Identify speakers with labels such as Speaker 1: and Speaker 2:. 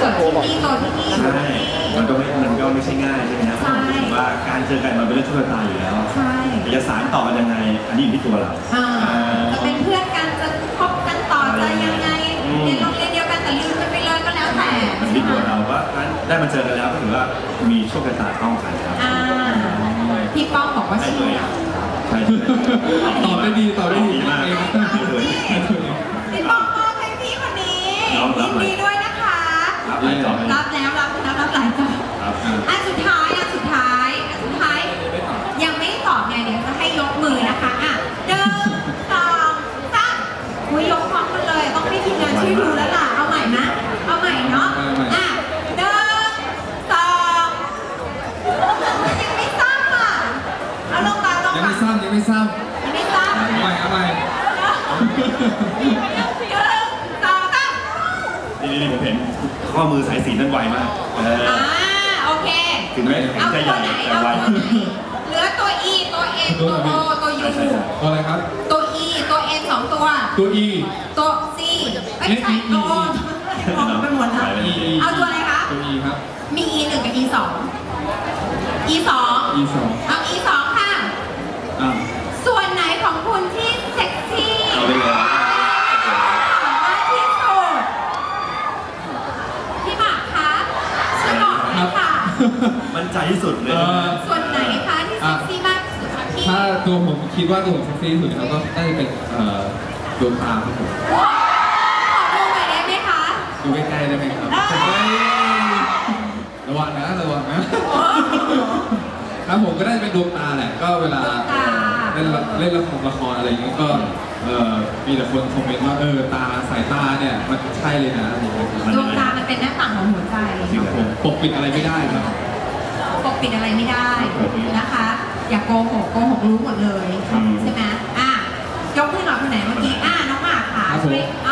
Speaker 1: กิดที่นี่โตที่นี่ใช่
Speaker 2: มันก็ไม่ใช่ง่ายใช่ไหมครับผมคิดว่าการเจอกันมันเป็นเรื่องโชคชะตาอยู่แล้ว
Speaker 1: ใช่
Speaker 2: จะสานต่อกันยังไงอันนี้อยู่ที่ตัวเรา
Speaker 1: จะเป็นเพื่อนกันจะคบกันต่อจะยังไงเรียนโรงเรียนเดียวกันแต่ลืมกันไปเลยก็แล้วแต่
Speaker 2: มันที่ตัวเราว่าได้มาเจอกันแล้วก็ถือว่ามีโชคชะตาต้องกันครับ
Speaker 1: พี่ป้องบอกว่าใช่
Speaker 3: ตอบได้ดี
Speaker 2: มาก
Speaker 1: พี่ป้องมอบให้พี่คนนี้ยินดีด้วยนะคะ
Speaker 2: รับหลายจอบ
Speaker 1: รับแล้วรับหลายจอบอันสุดท้ายยังไม่ตอบไงเดี๋ยวจะให้ยกมือนะคะ1 2 3ยกพร้อมกันเลยต้องให้ทีมงานช่วยดูแล้วล่ะเอาใหม่นะเอาใหม่เนาะ1 2ยังไม่ซ้ำอ่ะเอาลงมา
Speaker 3: ยังไม่ซ้ำ
Speaker 1: เอาใหม่1 2 3
Speaker 2: นี่ผมเห็นข้อมือสายสีนั่นไวมาก
Speaker 1: โอเค
Speaker 2: ถึงแม้จะแข็งใจใหญ่แต่ไว
Speaker 1: เหลือตัว E ตัว N ตัว O ตัว U
Speaker 3: ตัวอะไรครับ
Speaker 1: ตัว E ตัว N 2 ตัว
Speaker 3: ตัว E
Speaker 1: ตัว C ไม่ใช่ตัว O มองไปหมดแล้วเอาตัวอะไรคะ
Speaker 3: ตัว E ครับ
Speaker 1: มี E 1กับ E 2 E 2เอา E 2ค่ะส่วนไหนของคุณที่เซ็กซี่มากที่สุดพี่หมากคะช่วยบอกหน่อยค่ะ
Speaker 2: มั่นใจที่สุดเลย
Speaker 1: ส่วนไหนคะที่เซ็กซี่มากที่สุดพี่
Speaker 3: ถ้าตัวผมคิดว่าตัวผมเซ็กซี่ที่สุดแล้วก็ได้เป็นดวงตาครับผม
Speaker 1: ขอดูหน่อยได้ไหมคะ
Speaker 3: ดูใกล้ๆได้ไหมครับระวังนะครับผมก็ได้เป็นดวงตาแหละก็เวลาเล่นละครอะไรอย่างเงี้ยก็มีแต่คนคอมเมนต์ว่าสายตาเนี่ยมันใช่เลยนะ
Speaker 1: ดวงตามันเป็นหน้าต่างของหัวใจ
Speaker 3: ครับผมปกปิดอะไรไม่ได้ครับ
Speaker 1: ปกปิดอะไรไม่ได้นะคะอย่าโกหกรู้หมดเลยใช่ไหมยกขึ้นหน่อยคนไหนเมื่อกี้น้องหมากค่ะช่วย